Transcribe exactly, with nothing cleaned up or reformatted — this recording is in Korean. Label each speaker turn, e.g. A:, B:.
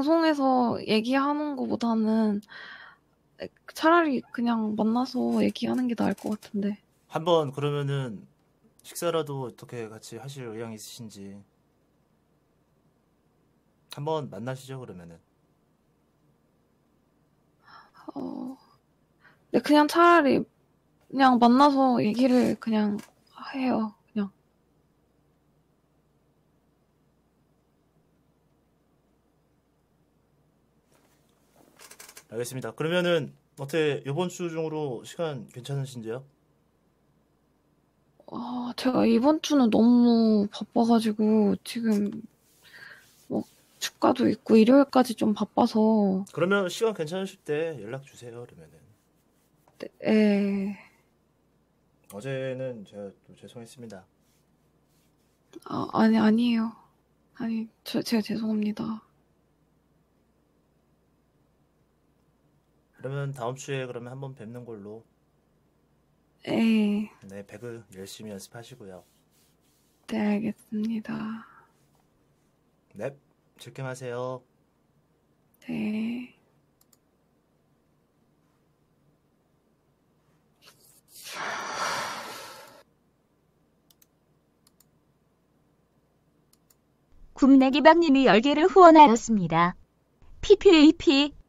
A: 방송에서 얘기하는 것보다는 차라리 그냥 만나서 얘기하는 게 나을 것 같은데.
B: 한번 그러면은 식사라도 어떻게 같이 하실 의향 있으신지 한번 만나시죠 그러면은.
A: 어, 네, 그냥 차라리 그냥 만나서 얘기를 그냥 해요. 그냥.
B: 알겠습니다. 그러면은 어떻게 이번 주 중으로 시간 괜찮으신지요?
A: 아, 제가 이번 주는 너무 바빠가지고 지금 뭐 축가도 있고 일요일까지 좀 바빠서.
B: 그러면 시간 괜찮으실 때 연락 주세요 그러면은.
A: 네,
B: 어제는 제가 또 죄송했습니다.
A: 아, 아니 아니에요. 아니 저, 제가 죄송합니다.
B: 그러면 다음 주에 그러면 한번 뵙는 걸로.
A: 네,
B: 네, 배그 열심히 연습하시고요.
A: 네 알겠습니다.
B: 네, 즐겜하세요.
A: 네.
C: 굽내기박님이 열 개를 후원하였습니다. 피피에이피